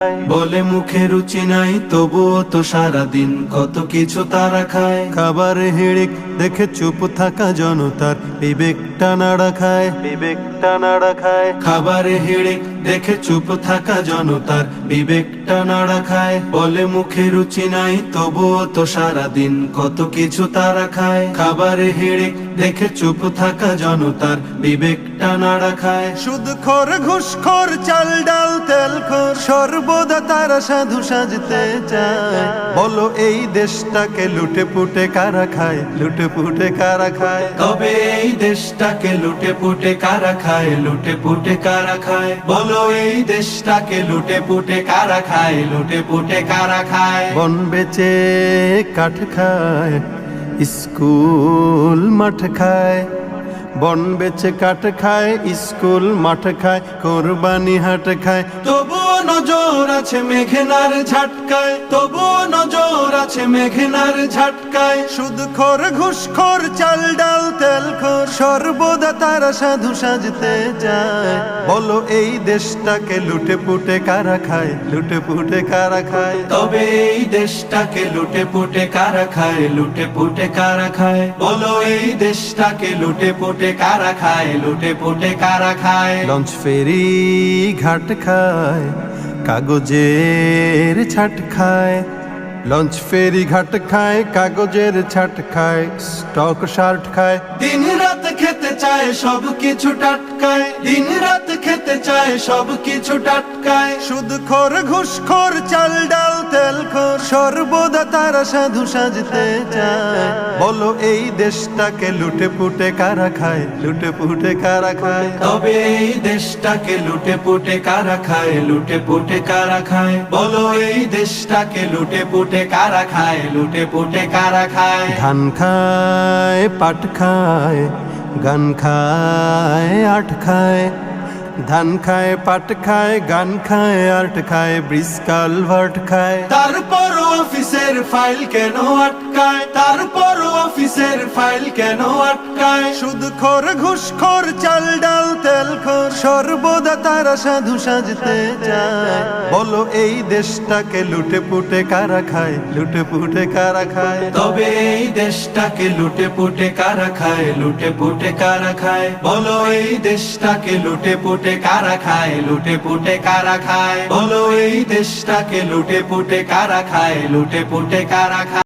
বলে মুখে রুচি নাই তবুও তো সারাদিন কত কিছু তারা খায়। খাবার হিড়িক দেখে চুপ থাকা জনতার বিবেকটা নাড়া খায়, বিবেকটা নাড়া খায়। খাবারে হিড়িক দেখে চুপ থাকা জনতার বিবেকটা নাড়া খায়। বলে মুখে রুচি নাই তবুও তো সারাদিন কত কিছু তারা খায়। খাবারে হিড়িক দেখে চুপ থাকা জনতার বিবেকটা নাড়া খায়। সুদখোর ঘুষখোর চাল ডাল তেল খোর সর্বদা তারা সাধু সাজতে চায়। বলো এই দেশটাকে লুটে পুটে কারা খায়, লুটে পুটে কারা খায়। তবে এই দেশটাকে লুটে পুটে কারা খায়, লুটে পুটে কারা খায়। বলো এই দেশটাকে লুটে পুটে কারা খায়, লুটে পুটে কারা খায়। বন বেচে কাঠ খায়, স্কুল মাঠ খায়। বন বেচে কাঠ খায়, স্কুল মাঠ খায়, কোরবানি হাট খায়। তবুও নজর আছে মেঘনার ঝাটকায়, তবুও নজর আছে মেঘনার ঝাটকায়। সুদখোর ঘুষখোর চাল ডাল তেল খোর সর্বদা তারা সাধু সাজতে চায়। বলো এই দেশটাকে লুটে পুটে কারা খায়, লুটে পুটে কারা খায়। তবে এই দেশটাকে লুটে পুটে কারা খায়, লুটে পুটে কারা খায়। বলো এই দেশটাকে লুটে পুটে কারা খায়, লুটে পুটে কারা খায়। লঞ্চ ফেরি ঘাট খায়, কাগজের ছাট খায়। লঞ্চ ফেরি ঘাট খায়, কাগজের ছাট খায়, স্টক শার্ট খায়। দিন রাত খেতে চায় সব কিছু টাটকায়, দিন রাত খেতে চায় সব কিছু টাটকায়। সুদখোর ঘুষখোর চাল ডাল তেল খোর সর্বদা তারা সাধু সাজতে চায়। বলো এই দেশটাকে লুটে পুটে কারা খায়, লুটে পুটে কারা খায়। তবে এই দেশটাকে লুটে পুটে কারা খায়, লুটে পুটে কারা খায়। বলো এই দেশটাকে লুটে পুটে কারা খায়, লুটে পুটে কারা খায়। ধান খায়, পাট খায়, গান খায়, আট খায়। ধান খায়, পাট খায়, গান খায়, আর্ট খায়, ব্রিজ কালভার্ট খায়। তারপর অফিসের ফাইল কেন আটকায়, তারপর অফিসের ফাইল কেন আটকায়। সুদখোর ঘুষখোর চাল ডাল তেল খোর সর্বদা তারা সাধু সাজতে চায়। বলো এই দেশটাকে লুটে পুটে কারা খায়, লুটে পুটে কারা খায়। তবে এই দেশটাকে লুটে পুটে কারা খায়, লুটে পুটে কারা খায়। বলো এই দেশটাকে লুটে পুটে কারা খায়, লুটে পুটে কারা খায়। বলো এই দেশটাকে লুটে পুটে কারা খায়, লুটে পুটে কারা খায়।